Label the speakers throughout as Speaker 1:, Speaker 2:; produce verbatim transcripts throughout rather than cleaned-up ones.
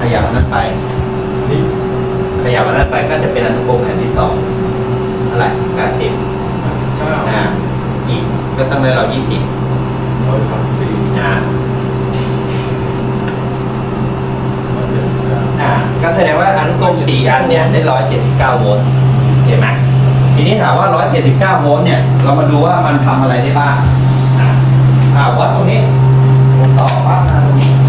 Speaker 1: ยับนั้นไปนี่ขยับอันนั้นไปก็จะเป็นอนุกรมแผ่นที่สองเท่าไหร่แปดสิบ
Speaker 2: เก้า
Speaker 1: อ่าอีกก็ต้องได้เรายี่สิบ
Speaker 2: ร้อยสามสี่
Speaker 1: อ่า
Speaker 2: ร้อยเจ็ดสิบเก้า
Speaker 1: อ่าก็แสดงว่าอนุกรมสี่อันเนี่ยได้ร้อยเจ็ดสิบเก้าโวลต์เห็นไหมทีนี้ถามว่าร้อยเจ็ดสิบเก้าโวลต์เนี่ยเรามาดูว่ามันทำอะไรได้บ้างอ่าอ่าวัดตรงนี้ผมต่อปั๊บมาตรงนี้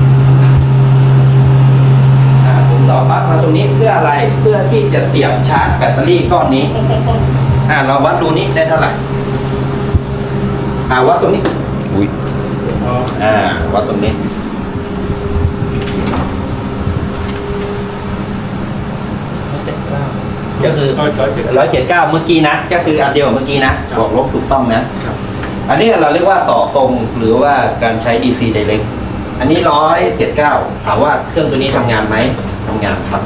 Speaker 1: อ่าผมต่อปั๊บมาตรงนี้เพื่ออะไรเพื่อที่จะเสียบชาร์จแบตเตอรี่ก้อนนี้อ่าเราวัดดูนี้ได้เท่าไหร่อ่าวัดตรงนี้อุ้ยอ่าวัดตรงนี้ก็คือร้อยเจ็ดสิบเก้าเมื่อกี้นะก็คืออันเดียวเมื่อกี้นะบวกลบถูกต้องนะอันนี้เราเรียกว่าต่อตรงหรือว่าการใช้ ดี ซี Direct อันนี้ร้อยเจ็ดสิบเก้าถามว่าเครื่องตัวนี้ทำงานไหมทำงานครับ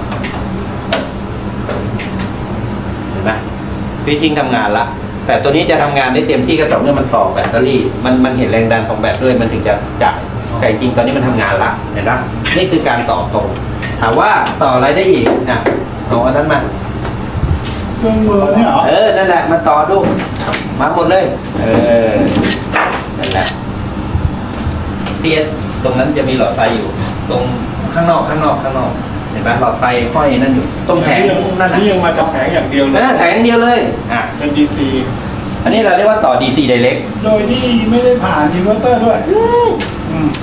Speaker 1: เห็นไหมพี่จริงทำงานละแต่ตัวนี้จะทำงานได้เต็มที่ก็ต่อเมื่อมันต่อแบตเตอรี่มันมันเห็นแรงดันของแบตด้วยมันถึงจะจ่ายแต่จริงตอนนี้มันทำงานละเห็นไหมนี่คือการต่อตรงถามว่าต่ออะไรได้อีกนะเอาอันนั้นมา
Speaker 2: เครื่องมือเนี่ยเหรอ
Speaker 1: เออนั่นแหละมาต่อดูมาหมดเลยเออนั่นแหละพีเอสตรงนั้นจะมีหลอดไฟอยู่ตรงข้างนอกข้างนอกข้างนอกเห็นไหมหลอดไฟห้อยนั่นอยู่ตรงแผงนั่นน่ะ
Speaker 2: นี่ยังมาจากแผงอย่างเดียวเลย
Speaker 1: แผงเดียวเลยอ่ะ
Speaker 2: เป็น ดี ซี
Speaker 1: อันนี้เราเรียกว่าต่อ ดี ซี Direct
Speaker 2: โดยที่ไม่ได้ผ่านอินเวอร์เตอร์ด้วยอืม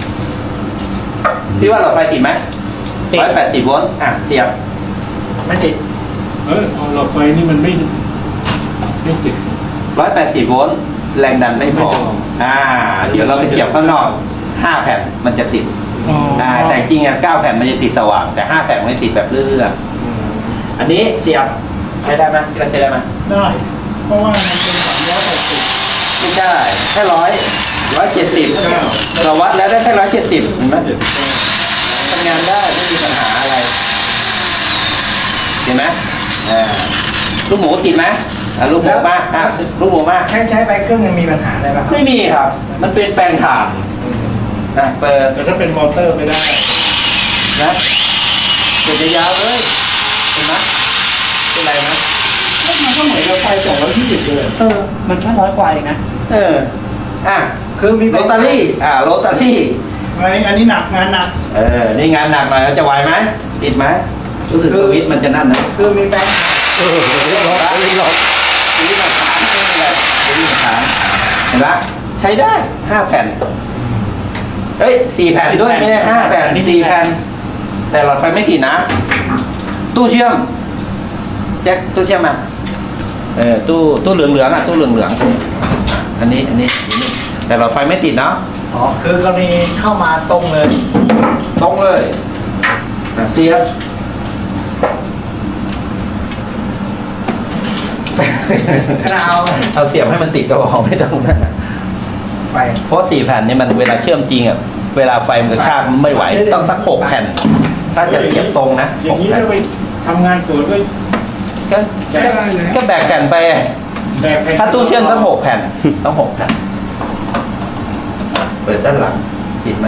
Speaker 1: พี่ว่าหลอดไฟติดไหมร้อยแปดสิบโวลต์อ่ะเสียบไม่ติด
Speaker 2: เออหลอดไฟนี่มันไม่ไม่ติด
Speaker 1: ร้อยแปดสิบโวลต์แรงดันไม่พออ่าเดี๋ยวเราไปเสียบข้างนอกห้าแผ่นมันจะติดอ่าแต่จริงอ่ะเก้าแผ่นมันจะติดสว่างแต่ห้าแผ่นมันจะติดแบบเรื่อยๆอันนี้เสียบใช้ได้ไหมที่เราใช้ได้ไหม
Speaker 2: ได้เพราะว่ามันเป็นสามร้อยหกสิบ
Speaker 1: ไม่ได้แค่ร้อยร้อยเจ็ดสิบเราวัดแล้วได้แค่ร้อยเจ็ดสิบเห็นไหมทำงานได้ไม่มีปัญหาอะไรเห็นไหมอ่าลูกหมูติดไหมอ่ะลูกหมูมาอ่ะลูกหมูมา
Speaker 3: ใช้ใช้ไปเครื่องยังมีปัญหาอะไรบ้าง
Speaker 1: ไม่มีครับมันเป็นแปลงถ่านอ่ะเปิด
Speaker 2: แต่ถ้าเป็นมอเตอร์ไม่ได้
Speaker 1: นะเปิดยาวเลยเห็นไหมเป็นไรไหม
Speaker 2: มันก็เหมือนเราไฟสองร้อยยี่สิบเลย
Speaker 3: เออมันแค่ร้อยกว่าเองนะ
Speaker 1: เอออ่ะ
Speaker 3: คือมี
Speaker 1: โรตารี่อ่าโรตารี่
Speaker 2: อันนี้อันนี้หนักงานหนัก
Speaker 1: เออนี่งานหนักหน่อยจะไหวไหมติดไหมรู้สึกสวิตช์มันจะนั่นนะ
Speaker 3: คือมีแบงค์
Speaker 1: เออล็อกล็อกสวิตช์มันค้างไม่เป็นไรสวิตช์มันค้างเห็นไหมใช้ได้ห้าแผ่นเฮ้ยสี่แผ่นด้วยไม่ใช่ห้าแผ่นสี่แผ่นแต่หลอดไฟไม่ติดนะตู้เชื่อมแจ็คตู้เชื่อมมาเออตู้ตู้เหลืองเหลืองอ่ะตู้เหลืองเหลืองอันนี้อันนี้แต่หลอดไฟไม่ติดเนาะ
Speaker 3: อ๋อคือกรณีเข้ามาตรงเลย
Speaker 1: ตรงเลยเสียบ
Speaker 3: เอา
Speaker 1: เอาเสียบให้มันติดก็พอไม่ต้องนั่น
Speaker 3: ไป
Speaker 1: เพราะสี่แผ่นนี่มันเวลาเชื่อมจริงอ่ะเวลาไฟมันกระชากไม่ไหวต้องสักหกแผ่นถ้าจะเสียบตรงนะ
Speaker 2: อย่างนี้เราไปทำงานสวนก็
Speaker 1: ก็ก็แบกแผ่นไปถ้าตู้เชื่อมสักหกแผ่นต้องหกแผ่นเปิดด้านหลังติดไหม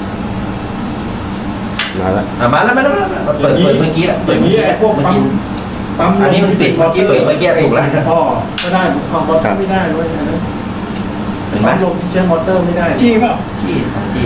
Speaker 2: มาแล้ว
Speaker 1: อ่ะมาแล้วมาแล้วเปิดเปิดเมื่อกี้แหละ
Speaker 2: เปิดเมื่อกี้ไอ้พวกปั๊ม
Speaker 1: ปั๊มอันนี้มันปิดเมื่อกี้เปิดเมื่อกี้ถูกแล้ว
Speaker 2: พ่อก็ได้พ่อมอเตอร์ไม่ได้ด้วยนะ
Speaker 1: เห็นไหม
Speaker 2: ลงที่ใช้มอเตอร์ไม่ได้
Speaker 1: จี้เปล่าจี้จี้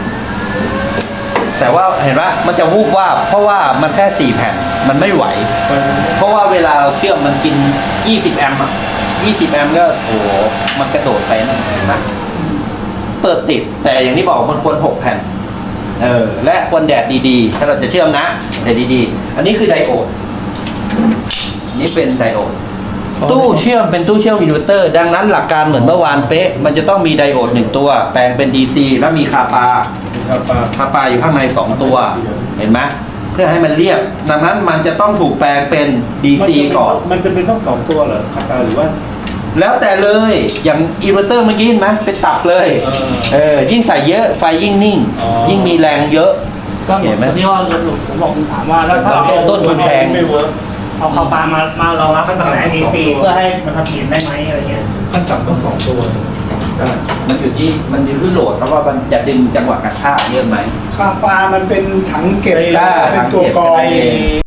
Speaker 1: แต่ว่าเห็นไหมมันจะวูบว่าเพราะว่ามันแค่สี่แผ่นมันไม่ไหวเพราะว่าเวลาเราเชื่อมมันกินยี่สิบแอมป์อ่ะยี่สิบแอมป์ก็โอ้โหมันกระโดดไปนั่นเห็นไหมเปิดติดแต่อย่างที่บอกมันควรหกแผ่นเออและควรแดดดีๆถ้าเราจะเชื่อมนะแดดดีๆอันนี้คือไดโอดนี่เป็นไดโอดตู้เชื่อมเป็นตู้เชื่อมอินเวอร์เตอร์ดังนั้นหลักการเหมือนเมื่อวานเป๊ะมันจะต้องมีไดโอดหนึ่งตัวแปลงเป็น ดี ซี แล้วมีคาปาคาปาอยู่ข้างในสองตัวเห็นไหมเพื่อให้มันเรียบดังนั้นมันจะต้องถูกแปลงเป็น ดี ซี ก่อน
Speaker 2: มันจะเป็นต้องสองตัวเหรอคาปาหรือว่า
Speaker 1: แล้วแต่เลยอย่างอินเวอร์เตอร์เมื่อกี้เห็นไหมเป็นตับเลยเออยิ่งใส่เยอะไฟยิ่งนิ่งยิ่งมีแรงเยอะ
Speaker 3: ก็เห็นไหมที่ว่าผมบอกคุณถามว่าแล้วถ้าเรา
Speaker 1: ต้นทุนแพง
Speaker 3: เอาเข้าปลามามาเรารับขั้นตอนไหนมีฟรีเพื่อให้มันผลิตได้ไหมอะไรเงี้ย
Speaker 2: ขั้นต่ำต้องสองตัว
Speaker 3: ใ
Speaker 2: ได้
Speaker 1: มันอยู่ที่มันอยู่ที่โหลดเพราะว่ามันจะดึงจังหวะกระชากเยอะไหม
Speaker 4: คาปามันเป็นถังเก็บ
Speaker 1: ได้
Speaker 4: เป็นตัวกรอง
Speaker 1: ถังเก็บ